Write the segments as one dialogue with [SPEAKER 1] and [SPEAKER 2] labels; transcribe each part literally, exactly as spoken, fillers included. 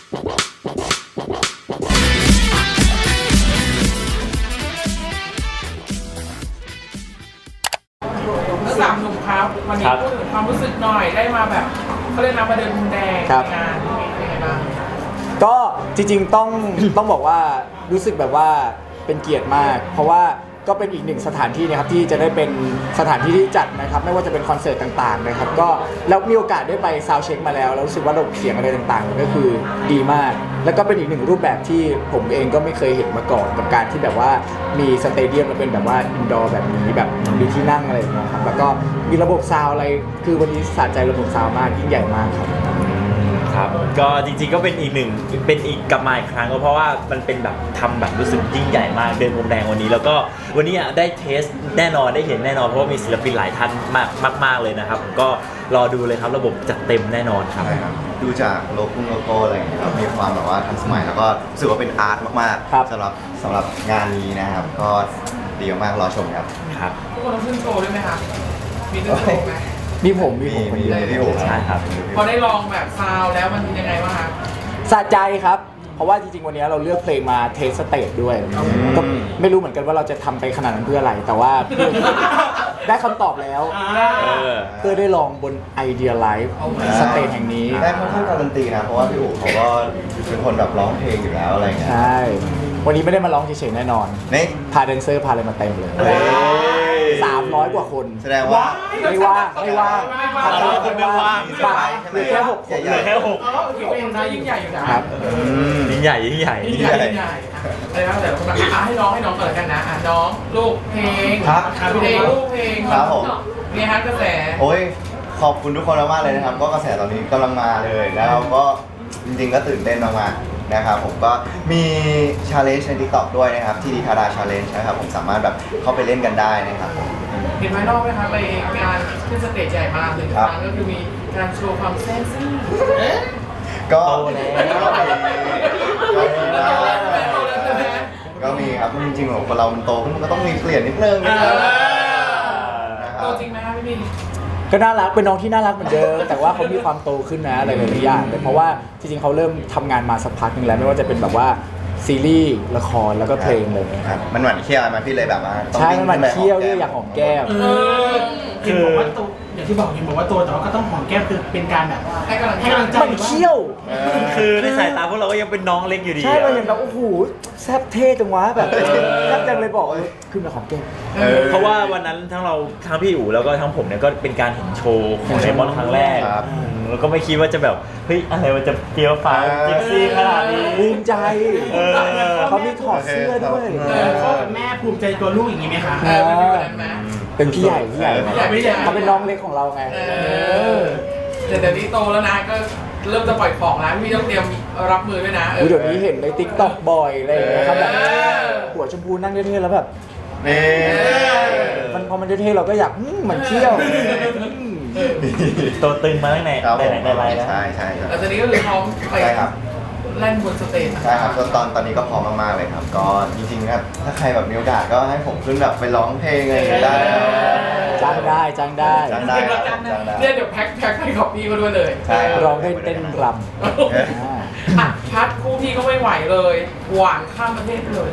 [SPEAKER 1] สามหนุ่มครับวันนี้พูดถึงความรู้สึกหน่อยได้มาแบบเขาเรียกนะมาเดินพรมแดงในงานเป็นไงบ้าง
[SPEAKER 2] ก็จริงๆต้อง ต้องบอกว่ารู้สึกแบบว่าเป็นเกียรติมากเพราะว่าก็เป็นอีกหนึ่งสถานที่นะครับที่จะได้เป็นสถานที่ที่จัดนะครับไม่ว่าจะเป็นคอนเสิร์ตต่างๆนะครับก็แล้วมีโอกาสได้ไปซาวด์เช็คมาแล้วแล้วรู้สึกว่าระบบเสียงอะไรต่างๆก็คือดีมากแล้วก็เป็นอีกหนึ่งรูปแบบที่ผมเองก็ไม่เคยเห็นมาก่อนกับการที่แบบว่ามีสเตเดียมแล้วเป็นแบบว่าอินดอร์แบบนี้แบบมีที่นั่งอะไรอย่างเงี้ยครับแล้วก็มีระบบซาวด์อะไรคือวันนี้สะใจระบบซาวด์มากยิ่งใหญ่มากครับ
[SPEAKER 3] ครับก็จริงๆก็เป็นอีกหนึ่งเป็นอีกกลับมาอีกครั้งก็เพราะว่ามันเป็นแบบทำแบบรู้สึกยิ่งใหญ่มากเดินพรมแดงวันนี้แล้วก็วันนี้ได้เทสแน่นอนได้เห็นแน่นอนเพราะว่ามีศิลปินหลายท่านมากมากๆเลยนะครับก็รอดูเลยครับระบบจัดเต็มแน่นอนครับ
[SPEAKER 4] ดูจากโลโก้โลโก้อะไรอย่างเงี้ยครับมีความแบบว่าทันสมัยแล้วก็รู้สึกว่าเป็นอาร์ตมากๆสำหรับสำหรับงานนี้นะครับก็ดีมากรอชมครับ
[SPEAKER 3] ครับ
[SPEAKER 1] ทุกคนต้องขึ้นโชว์ด้วยไหมครับมีขึ้นโชว์ไหม
[SPEAKER 2] มีผมมีผมคน
[SPEAKER 4] เดียวพี่โอ๋
[SPEAKER 3] ใช่ครับ
[SPEAKER 1] พอได้ลองแบบซาวแล้วมันยังไงบ้างครับ
[SPEAKER 2] สะใจครับเพราะว่าจริงๆวันนี้เราเลือกเพลงมาเทสสเตจด้วยก็ไม่รู้เหมือนกันว่าเราจะทำไปขนาดนั้นเพื่ออะไรแต่ว่าได้คำตอบแล้วเพื่อได้ลองบนไอเดียไลฟ์สเตจแห่งนี้
[SPEAKER 4] ได้ค่อนข้างการันตีนะเพราะว่าพี่โอ๋เขาก็เป็นคนแบบร้องเพลงอยู่แล้วอะไรเงี้ย
[SPEAKER 2] ใช่วันนี้ไม่ได้มาร้องเฉยๆแน่นอน
[SPEAKER 4] นี่
[SPEAKER 2] พาแดนเซอร์พาอะไรมาเต็มเลยสามร้อยกว่าคน
[SPEAKER 4] แสดงว่า
[SPEAKER 2] ไม่ว่างไม่ว่าง
[SPEAKER 3] สามร้อยคนไม่ว่าง
[SPEAKER 2] บางเหลือแค่หกคน
[SPEAKER 3] เหลือแค่หก
[SPEAKER 1] ถือว่าเป็นยิ่งใหญ่อยู่นะครับ
[SPEAKER 3] ยิ่งใหญ่ยิ่งใหญ่
[SPEAKER 1] ยิ่งใหญ่ยิ่งใหญ่อะไรบ้างแต่คนแบบให้น้องให้น้องก่อนกันนะอ่ะน้องลูกเพลงเพลงลูกเพลง
[SPEAKER 4] ครับผม
[SPEAKER 1] เนี่ยฮะกระแส
[SPEAKER 4] โอ้ยขอบคุณทุกคนมากเลยนะครับก็กระแสตอนนี้กำลังมาเลยแล้วก็จริงๆก็ตื่นเต้นมากๆนะครับผมก็มีชาเลนจ์ใน TikTok ด้วยนะครับที่ดีทาราชาเลนจ์นะครับผมสามารถแบบเข้าไปเล่นกันได้นะครับผม
[SPEAKER 1] เห็นไหมนอกไหมครับไปงานขึ้นสเตจใหญ่มากเลยครั้งก็คือมีการโชว์ความแซ่บซ่า
[SPEAKER 4] ก็
[SPEAKER 1] ก็
[SPEAKER 4] มีครับจริงๆของคนเรามันโตขึ้นมันก็ต้องมีเปลี่ยนนิดนึงนะครับ
[SPEAKER 1] โตจริงไหมครับพี่บี
[SPEAKER 2] ก็น่ารักเป็นน้องที่น่ารักเหมือนเดิมแต่ว่าเขามีความโตขึ้นนะอะไรหลายๆอย่างเลยเพราะว่าจริงๆเขาเริ่มทำงานมาสักพักนึงแล้วไม่ว่าจะเป็นแบบว่าซีรีส์ละครแล้วก็เพลงเลย
[SPEAKER 4] ครับมันหวานเคี้ยวมาพี่เลยแบบว่า
[SPEAKER 2] ใช่มันหวานเคี้ยวด้วยอยากหอมแก้ม
[SPEAKER 5] คือบอกว่าตัวอย่างที่บอกเห็นบอกว่าตัวแต่ว่าก็ต้องหอมแก้มคือเป็นการแบบ
[SPEAKER 1] ให้กำลัง
[SPEAKER 5] ให้กำลังใจ
[SPEAKER 2] มันเคี้ยว
[SPEAKER 3] คือในสายตาพวกเราก็ยังเป็นน้องเล็กอยู่ดี
[SPEAKER 2] ใช่เราเห็นแบบโอ้โหแซ่บเท่จังวะแบบแซ่บจังเลยบอกขึ้นมาหอมแก้ม
[SPEAKER 3] เพราะว่าวันนั้นทั้งเราทั้งพี่อู๋แล้วก็ทั้งผมเนี่ยก็เป็นการเห็นโชว์ของไดมอนด์ครั้งแรกแล้วก็ไม่คิดว่าจะแบบเฮ้ยอะไรมันจะเฟี้ยวฟ้าวจิกซี่ขนาดนี้
[SPEAKER 2] ภูมิใจเขามีถอดเสื้อด้วย
[SPEAKER 5] พ่อกับแม่ภูมิใจตัวลูกอย่างนี้ไหมคะ
[SPEAKER 2] เป็นพี่ใหญ่พี่ใหญ่เขาเป็นน้องเล็กของเราไง
[SPEAKER 1] แต่เดี๋ยวนี้โตแล้วนะก็เริ่มจะปล่อยของแล้วพี่ต้องเตรียมรับมือด้วยนะ
[SPEAKER 2] เดี๋ยวนี้เห็นในติ๊กต็อกบ่อยอะไรอย่างเงี้ยครับแบบหัวชมพูนั่งเท่ๆแล้วแบบมันพอมันเท่ๆเราก็อยากมันเที่ยว
[SPEAKER 3] ตัวตึงมาตั้งแต่แต่ไหนแต่ไรแล้ว
[SPEAKER 4] ใช่ใช่
[SPEAKER 1] แล้วตอนนี้ก็เลยพร้อมไปเล่นบนสเตจ
[SPEAKER 4] ใช่ครับตอนตอนนี้ก็พร้อมมากๆเลยครับก็จริงๆครับถ้าใครแบบมีโอกาสก็ให้ผมขึ้นแบบไปร้องเพลงอะไรได้
[SPEAKER 2] จ้างได้จ้างได้
[SPEAKER 4] จ้างได้
[SPEAKER 1] เนี่ยเดี๋ยวแพ็คแพ็คให้กับพี่ก็ด้วยเลย
[SPEAKER 2] ร้องได้เต้นรำ
[SPEAKER 1] อ่ะพัดคู่พี่ก็ไม่ไหวเลยหวานข้ามประเทศเลย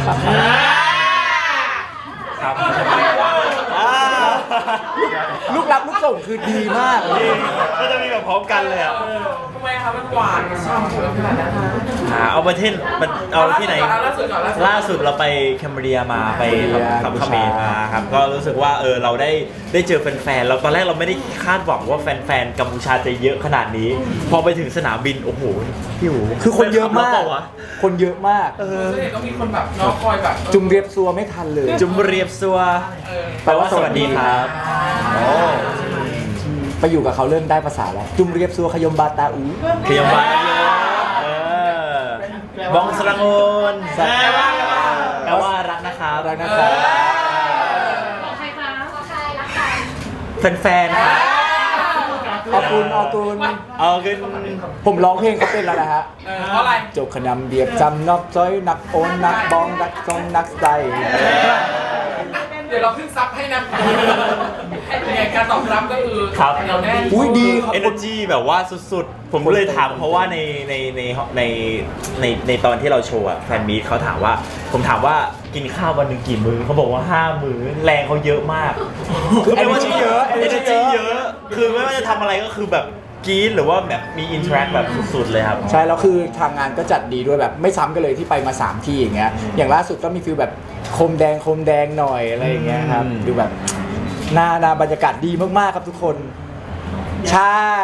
[SPEAKER 3] ครับ
[SPEAKER 2] ลูกรับลูกส่งคือดีมาก
[SPEAKER 3] ก็จะมีแบบพร้อมกันเลยอ่ะ
[SPEAKER 1] ทำไมครับมันหวานช่ำขนาดนั้น
[SPEAKER 3] อ่าเอาประเทศเอาที่ไหนล่าสุดเราไปแคมเบเรียมาไปทำคาเมมาครับก็รู้สึกว่าเออเราได้ได้เจอแฟนๆเราตอนแรกเราไม่ได้คาดหวังว่าแฟนๆกัมพูชาจะเยอะขนาดนี้พอไปถึงสนามบินโอ้โหพี่หู
[SPEAKER 2] คือคนเยอะมากคนเยอะมาก
[SPEAKER 1] เออต้องมีคนแบบน้องคอยแบบ
[SPEAKER 2] จุ่มเรียบซัวไม่ทันเลย
[SPEAKER 3] จุ่มเรียบซัวแปลว่าสวัสดีครับ
[SPEAKER 2] ไปอยู่กับเขาเริ่มได้ภาษาแล้วจุ่มเรียบซัวขยมบาตาอู
[SPEAKER 3] ขยมบาตาอูบองสรังโอนแปลว่าแปลว่ารักนะครับ
[SPEAKER 2] รักนะครับ
[SPEAKER 6] บอกใครคะบอกใครรักใคร
[SPEAKER 3] แฟนๆครับ
[SPEAKER 2] เอากุนเอากุน
[SPEAKER 3] เอากุน
[SPEAKER 2] ผมร้องเพลงเขาเป็นแล้วนะฮะ
[SPEAKER 1] เพราะอะไร
[SPEAKER 2] จบขนำเบียบจำนอกซอยนักโอนนักบองนักทรงนักใจ
[SPEAKER 1] เดี๋ยวเราขึ้นซับให้นะยังไงการตอบรับก็คือ
[SPEAKER 3] ครับ
[SPEAKER 1] เราแน่น
[SPEAKER 2] อุ้ยดีครับ
[SPEAKER 3] energy แบบว่าสุดๆ ผมก็เลยถามเพราะว่าในในในในในในตอนที่เราโชว์อะแฟนมีตเขาถามว่า ผมถามว่ากินข้าววันหนึ่งกี่มื้อเขาบอกว่าห้ามื้อแรงเขาเยอะมาก
[SPEAKER 2] คือ
[SPEAKER 3] ไม่ว่า
[SPEAKER 2] energy
[SPEAKER 3] จะ
[SPEAKER 2] เยอะ energy
[SPEAKER 3] energy
[SPEAKER 2] เย
[SPEAKER 3] เย
[SPEAKER 2] อะ
[SPEAKER 3] อะ คือไม่ว่าจะทำอะไรก็คือแบบกรี๊ดหรือว่าแบบมี interact แบบสุดๆเลยครับ
[SPEAKER 2] ใช่แล้วคือทางงานก็จัดดีด้วยแบบไม่ซ้ำกันเลยที่ไปมาสามที่อย่างเงี้ยอย่างล่าสุดก็มีฟิลแบบโคมแดงโคมแดงหน่อยอะไรอย่างเงี้ยครับ
[SPEAKER 3] อืม
[SPEAKER 2] ดูแบบหน้าหน้าบรรยากาศดีมากๆครับทุกคน ใช่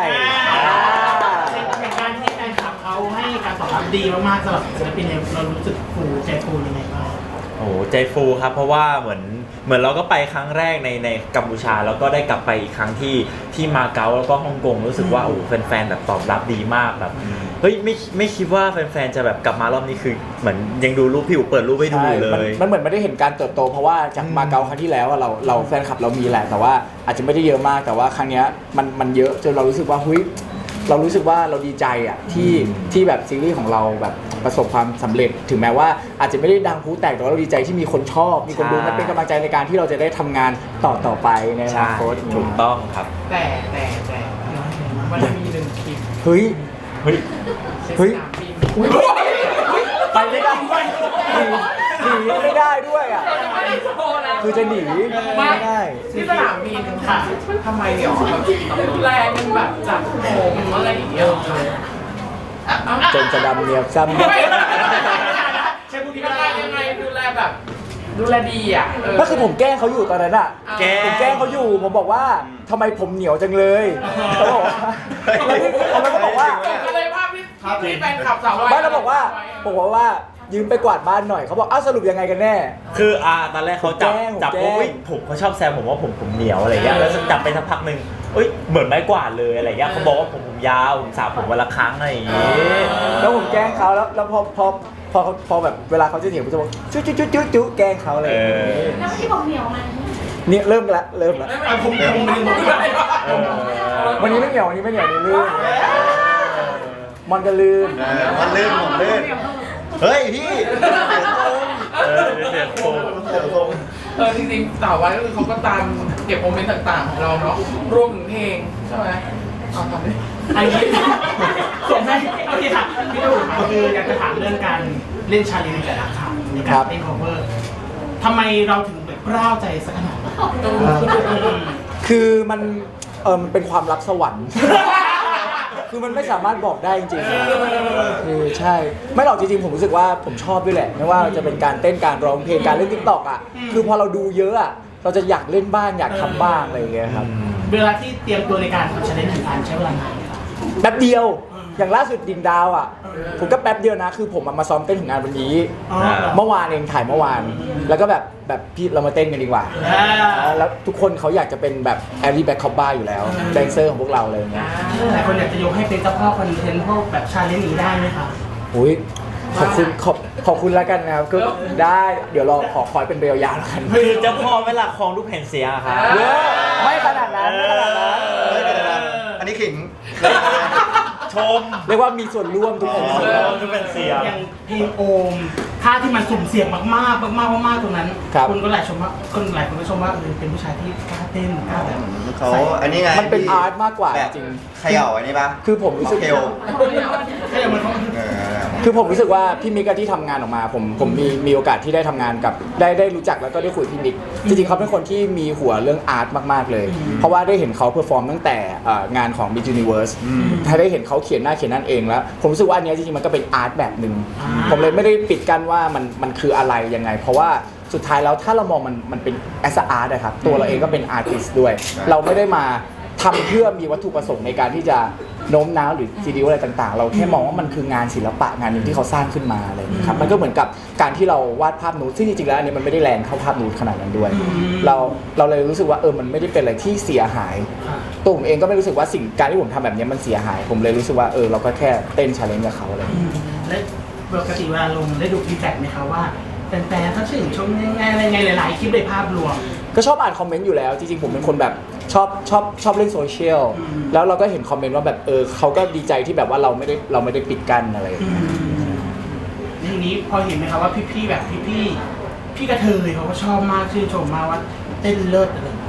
[SPEAKER 5] ในการที่แฟนคลับเขาให้การตอบรับดีมากๆสำหรับศิลปินเนี่ยเรารู้สึกฟูใจฟูยังไงบ้าง
[SPEAKER 3] โอ้โหใจฟูครับเพราะว่าเหมือนเหมือนเราก็ไปครั้งแรกในในกัมพูชาแล้วก็ได้กลับไปอีกครั้งที่ที่มาเก๊าแล้วก็ฮ่องกงรู้สึกว่าโอ้โหแฟนๆแบบตอบรับดีมากแบบเฮ้ยไม่ไม่คิดว่าแฟนๆจะแบบกลับมารอบนี้คือเหมือนยังดูรูปพี่อู๋เปิดรูปให้ดูอยู่เล
[SPEAKER 2] ใช่มัน
[SPEAKER 3] ย
[SPEAKER 2] มันเหมือนไม่ได้เห็นการเติบโตเพราะว่าจากมาเก๊าครั้งที่แล้วอะเราเราแฟนคลับเรามีแหละแต่ว่าอาจจะไม่ได้เยอะมากแต่ว่าครั้งเนี้ยมันมันเยอะจนเรารู้สึกว่าเฮ้ยเรารู้สึกว่าเราดีใจอ่ะที่ที่แบบซีรีส์ของเราแบบประสบความสำเร็จ ถึงแม้ว่าอาจจะไม่ได้ดังพลุแตกแต่ว่าเราดีใจที่มีคนชอบ มีคนดู
[SPEAKER 3] ใช่
[SPEAKER 2] และเป็นกำลังใจในการที่เราจะได้ทำงานต่อต่อไปในอนา
[SPEAKER 3] ใช่
[SPEAKER 2] คต
[SPEAKER 3] ถูกต้องครับ
[SPEAKER 1] แต่แต่แต่มันมีหนึ่งคลิป
[SPEAKER 2] เฮ้ย
[SPEAKER 3] เฮ้ย
[SPEAKER 2] เฮ้ย
[SPEAKER 1] สนามบิน
[SPEAKER 2] ไปไม่ได้หนีหนีไม่ได้ด้วยอ่ะ
[SPEAKER 1] เราจะไม่ได้โชว์นะ
[SPEAKER 2] คือจะหนี
[SPEAKER 1] ไม่
[SPEAKER 2] ไม่ได้
[SPEAKER 1] ที่สนามบินค่ะทำไมเดี๋ยวแบบแรงมันแบบจับผมอะไรอย่างเงี้ย
[SPEAKER 2] จนจะดำเนียบซ้ำ
[SPEAKER 5] ใช่พูดที่
[SPEAKER 1] ยัง
[SPEAKER 5] ไม่
[SPEAKER 1] ไง
[SPEAKER 5] ได้
[SPEAKER 1] ยังไงดูแลแบบ ดูแลดีอ่ะเ
[SPEAKER 2] ก็คือผมแกล้งเขาอยู่ตอนนั้นอ่ะ
[SPEAKER 3] แกล้ง
[SPEAKER 2] ผมแกล้งเขาอยู่ ผมบอกว่าทำไมผมเหนียวจังเลยเขาบอกว่าแล้วที่เขาก็บอกว่า
[SPEAKER 1] ก็เลยภาพที่ที่แฟนคลับสาววาย
[SPEAKER 2] บ้านเราบอกว่าผมบอกว่ายืมไปกวาดบ้านหน่อยเขาบอกอ้าวสรุปยังไงกันแน่
[SPEAKER 3] คืออ่าตอนแรกเขาจับ
[SPEAKER 2] ผมแกล้ง
[SPEAKER 3] จับ
[SPEAKER 2] ผมแกล้
[SPEAKER 3] ปุ๊บ
[SPEAKER 2] ง
[SPEAKER 3] เฮ้ยผมเขาชอบแซวผมว่าผมผมเหนียวอะไรเงี้ยแล้วจับไปสักพักหนึ่งเอ้ยเหมือนไม้กวาดเลยอะไรเงี้ยเขาบอกว่าผมผมยาวผมสระผมวันละครั้งอะไรอย่างงี้
[SPEAKER 2] แล้วผมแกล้งเขาแล้วแล้วพอพอพอพอแบบเวลาเขาจะเถียงผมจะบอกจุ๊จุ๊จุ๊จุ๊จุ๊แกล้งเขาอะไรอย่างเลย
[SPEAKER 6] แล้วที่บอกเหนียวมัน
[SPEAKER 2] เนี่ยเริ่มละเริ่มละ
[SPEAKER 5] อ่ะผมผมไม่ได้บอกว่า
[SPEAKER 3] เออ
[SPEAKER 2] วันนี้ไม่เหนียววันนี้ไม่เหนียวนี่ลื่นมันก็ลื่น
[SPEAKER 4] เออมันลื่นผมลื่นเฮ้ยพี่
[SPEAKER 3] เออเสียโฟม
[SPEAKER 4] เดี๋ยวผม
[SPEAKER 1] เออจริงๆสาววายก็คือเขาก็ตามเก็บโมเมนต์ต่างๆของเราเนาะรวมถึงเพลงใช่ไหมเอาทำดิ
[SPEAKER 5] อันนี้ส่งให้โอเคค่ะพี่ตู่ก็คืออยากจะถามเรื่องการเล่นชาเลนจ์ในแต่ละครั้งในการเล่น cover ทำไมเราถึงแบบกล้าวใจสักขนาดนั้น
[SPEAKER 2] คือมันเออมันเป็นความลับสวรรค์ คือมันไม่สามารถบอกได้จริงๆคือใช่ ไม่หรอกจริงๆผมรู้สึกว่าผมชอบด้วยแหละไม่ว่าจะเป็นการเต้นการร้องเพลงการเล่นติ๊กต็อกอ่ะคือพอเราดูเยอะอ่ะเราจะอยากเล่นบ้างอยากทำบ้างอะไรอย่างเงี้ยครับ
[SPEAKER 5] เวลาที่เตรียมตัวในการทำชาเลนจ์หนึ่งอันใช้เวลานานไหมครับ
[SPEAKER 2] แป๊บเดียวอย่างล่าสุดดินดาวอ่ะผมก็แป๊บเดียวนะคือผมมาซ้อมเต้นถึงงานวันนี้
[SPEAKER 5] อ๋อ
[SPEAKER 2] เมื่อวานเองถ่ายเมื่อวาน แล้วก็แบบแบบพี่เรามาเต้นกันดีกว่า
[SPEAKER 5] อ่า
[SPEAKER 2] แล้วทุกคนเขาอยากจะเป็นแบบแอลลี่แบ็คคอปบ้าอยู่แล้วแดนเซอร์ของพวกเราเลยอย่างเงี้ย
[SPEAKER 5] หลายคนอยากจะยกให้เป็นเจ้าพ่อคอนเทนต์พวกแบบชาเลนจ์นี้ได้ไหมคะ
[SPEAKER 2] อุ้ยขอบคุณขอบขอบคุณแล้วกันนะครับก็ได้เดี๋ยวเราขอคอยเป็นเบลยาวแล้วกัน
[SPEAKER 3] คือเจ้าพ่อไม่ละครลูกแผ่นเสียงอะครับ
[SPEAKER 2] เยอะไม่ขนาดนั้นไม่ขนาดนั้น
[SPEAKER 4] เฮ้ยเดี๋ยวนะอันนี้ขิง
[SPEAKER 3] ชม
[SPEAKER 2] เรียกว่ามีส่วนร่วมทุกคน
[SPEAKER 3] เออลูกแผ่นเสียง
[SPEAKER 5] อย่างเพลงโอมท่าที่มันสุ่มเสี่ยงมากๆมากๆมากๆตรงนั้นคนก็หลายชมว่าคนหลายคนก็ชมว่าเออเป็นผู้ชายที่กล้าเต้นกล้าแบบ
[SPEAKER 4] เขา
[SPEAKER 5] ใส่
[SPEAKER 4] อันนี้ไง
[SPEAKER 2] มันเป็นอาร์ตมากกว่า
[SPEAKER 4] แบบ
[SPEAKER 2] จริง
[SPEAKER 4] เขย่าอันนี้ปะ
[SPEAKER 2] คือผมรู้สึก
[SPEAKER 4] เทล
[SPEAKER 5] แค่เดี๋ยวมันเขา
[SPEAKER 4] เออ
[SPEAKER 2] คือผมรู้สึกว่าพี่มิกอะที่ทำงานออกมาผมผมมีมีโอกาสที่ได้ทำงานกับได้ได้รู้จักแล้วก็ได้คุยกับพี่มิกจริงๆเขาเป็นคนที่มีหัวเรื่องอาร์ตมากๆเลย เพราะว่าได้เห็นเขาเพอร์ฟอร์มตั้งแต่เอ่องานของ Miss Universe ถ้าได้เห็นเขาเขียนหน้าเขียนนั่นเองแล้วผมรู้สึกว่าอันเนี้ยจริงๆมันก็เป็นอาร์ตแบบหนึ่งผมเลยไม่ได้ปิดกั้นว่ามันมันคืออะไรยังไง เพราะว่าสุดท้ายแล้วถ้าเรามองมันมันเป็นแอสอาร์ตนะครับตัวเราเองก็เป็นอาร์ติสต์ด้วย เราไม่ได้มาทำเพื่อมีวัตถุประสงค์ในการที่จะโน้มน้าวหรือซีดีอะไรต่างๆ เราแค่มองว่ามันคืองานศิลปะงานหนึ่งที่เขาสร้างขึ้นมาอะไรอย่างนี้ครับมันก็เหมือนกับการที่เราวาดภาพนูดซึ่งจริงๆแล้วอันนี้มันไม่ได้แรงเท่าภาพนูดขนาดนั้นด้วย เราเราเลยรู้สึกว่าเออมันไม่ได้เป็นอะไรที่เสียหายตัวผมเองก็ไม่รู้สึกว่าสิ่งการที่ผมทำแบบนี้มันเสียหาย ผมเลยรู้สึกว่าเออเราก็แค่เต้นชาเลนจ์กับเขาอะไรอย่างเงี้ย
[SPEAKER 5] และปกติเวลาลงได้ดูฟีดแบ็กไหมคะว่าแฟนๆเขาชื่นชมยังไงอะไรไงหลายๆคลิปในภาพรวม
[SPEAKER 2] ก็ชอบอ่านคอมเมนต์อยู่แล้วจริงๆผมเป็นคนแบบชอบชอบชอบเล่นโซเชียล
[SPEAKER 5] อืม
[SPEAKER 2] แล้วเราก็เห็นคอมเมนต์ว่าแบบเออเขาก็ดีใจที่แบบว่าเราไม่ได้เราไม่ได้ปิดกั้นอะไรอย่างเงี้ย
[SPEAKER 5] ทีนี้พอเห็นไหมคะว่าพี่ๆแบบพี่ๆพี่กระเทยเขาก็ชอบมากชื่นชมมากว่าเต้นเลิศอะไรอย่างเงี้ย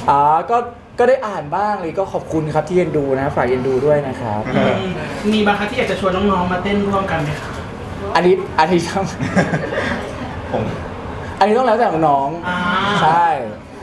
[SPEAKER 2] อ๋อก็ก็ได้อ่านบ้างเลยก็ขอบคุณครับที่เอ็นดูนะฝากเอ็นดูด้วยนะครับ
[SPEAKER 5] อืมมีบางครั้งที่อยากจะชวนน้องๆมาเต้นร่วมกันไหมคะ
[SPEAKER 2] อันนี้อันนี้ต้อง
[SPEAKER 4] ผม
[SPEAKER 2] อันนี้ต้องแล้วแต่น้อง
[SPEAKER 5] อ่า
[SPEAKER 2] ๆใช่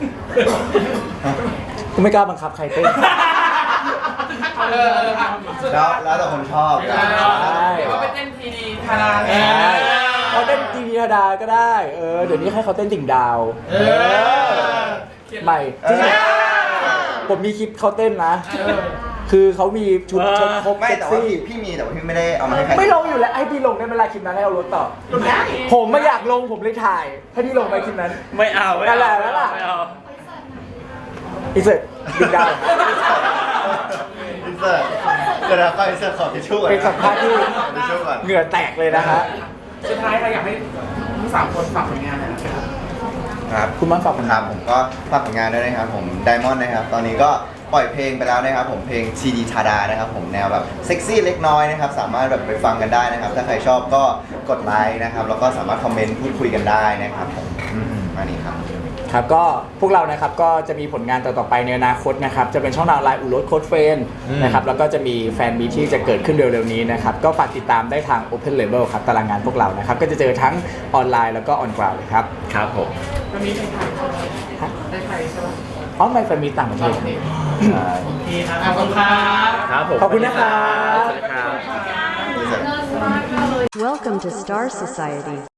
[SPEAKER 2] กูไม่กล้าบังคับใครเต้น
[SPEAKER 1] เออเอออ่ะสุด
[SPEAKER 4] แล้ว
[SPEAKER 1] ท้าย
[SPEAKER 4] แล้วแต่คนชอบ
[SPEAKER 1] เอ
[SPEAKER 4] นะ
[SPEAKER 1] อเดี๋ยวก็ไปเต้นทีดีทาราเล
[SPEAKER 2] ใช่
[SPEAKER 1] ย
[SPEAKER 2] เขาเต้นดีธรรมดาก็ได้ เออ เดี๋ยวนี้ให้เขาเต้นติ่งดาว
[SPEAKER 5] เออ
[SPEAKER 2] ใหม่จริงๆผมมีคลิปเขาเต้นนะ
[SPEAKER 1] เออ
[SPEAKER 2] คือเขามีชุดชุดครบ
[SPEAKER 4] ไม่
[SPEAKER 2] เซ็ก
[SPEAKER 4] แต่ว่า
[SPEAKER 2] ซี่
[SPEAKER 4] พี่พี่มีแต่ว่าพี่ไม่ได้เอามาให้ใคร
[SPEAKER 2] ไม่ลงอยู่แล้วให้พี่ลงได้เวลาคลิปนั้นให้เอารถต่อ ผมไม่อยากลงผมเลยถ่าย ให้พี่ลงไปคลิปนั้น
[SPEAKER 3] ไม่เอาไม่
[SPEAKER 2] นั่นแห
[SPEAKER 3] เอา
[SPEAKER 2] ละนั่นแหละ
[SPEAKER 3] ไม่เอา
[SPEAKER 2] อีเสร็จติ่งดาว
[SPEAKER 4] อินเสิร์ตเดี๋ยวเราก็อินเสิร์ตขอทิชชู่ก่อน
[SPEAKER 2] เป็นสัมภาษณ์ที่
[SPEAKER 4] ทิชชู่ก่อน
[SPEAKER 2] เหงื่อแตกเลยนะฮะ
[SPEAKER 1] สุดท้ายเราอยากให้ทั้งสามคนฝากผลงานหน่อยนะครับ
[SPEAKER 4] ครับ
[SPEAKER 2] คุณมั่นฝากผล
[SPEAKER 4] ค
[SPEAKER 2] งา
[SPEAKER 4] รั
[SPEAKER 2] น
[SPEAKER 4] บผมก็ฝากผลงานด้วยนะครับผมไดมอนด์นะครับตอนนี้ก็ปล่อยเพลงไปแล้วนะครับผมเพลงซีดีชาดานะครับผมแนวแบบเซ็กซี่เล็กน้อยนะครับสามารถแบบไปฟังกันได้นะครับ ถ้าใครชอบก็กดไลค์นะครับแล้วก็สามารถคอมเมนต์พูดคุยกันได้นะครับผมอืมอันนี้ครับ
[SPEAKER 2] ครับก็พวกเรานะครับก็จะมีผลงานต่อๆไปในอนาคตนะครับจะเป็นช่องทางไลน์อุรสโค้ดเฟนนะครับแล้วก็จะมีแฟนมีตที่จะเกิดขึ้นเร็วๆนี้นะครับก็ฝากติดตามได้ทาง Open Label ครับตารางงานพวกเรานะครับก็จะเจอทั้งออนไลน์แล้วก็ออนกราวเลยครับ
[SPEAKER 3] ครับผม
[SPEAKER 1] วันนี้ในไทยใช่ไหมในไทยใช่ไหม
[SPEAKER 2] อ๋อไม่แฟนมีตต่างประเทศ
[SPEAKER 5] โอเคครับ ขอบคุณครับ
[SPEAKER 3] ครับผม
[SPEAKER 2] ขอบคุณนะครับ
[SPEAKER 3] สวัสดีครับ
[SPEAKER 6] เลิศมากเลย
[SPEAKER 7] Welcome to Star Society.